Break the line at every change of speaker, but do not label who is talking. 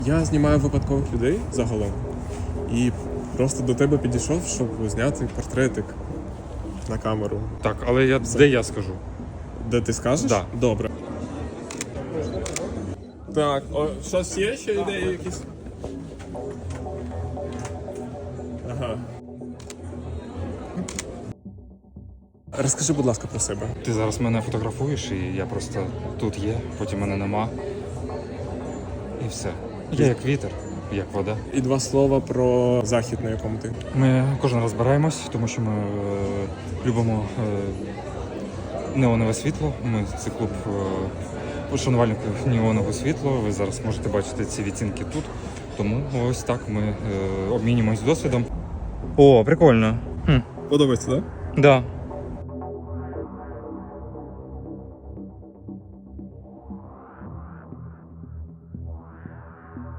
Я знімаю випадкових людей загалом. І просто до тебе підійшов, щоб зняти портретик на камеру.
Так, але де я скажу?
Де ти скажеш?
Да.
Добре. Так, щось є ще ідеї якісь? Ага. Розкажи, будь ласка, про себе.
Ти зараз мене фотографуєш, і я просто тут є, потім мене нема. І все. Я як вітер, як вода.
І 2 слова про захід, на якому ти.
Ми кожен раз збираємось, тому що ми любимо неонове світло. Ми це клуб шанувальників неонового світла. Ви зараз можете бачити ці відтінки тут. Тому ось так ми обмінюємось досвідом. О, прикольно.
Подобається, так?
Да.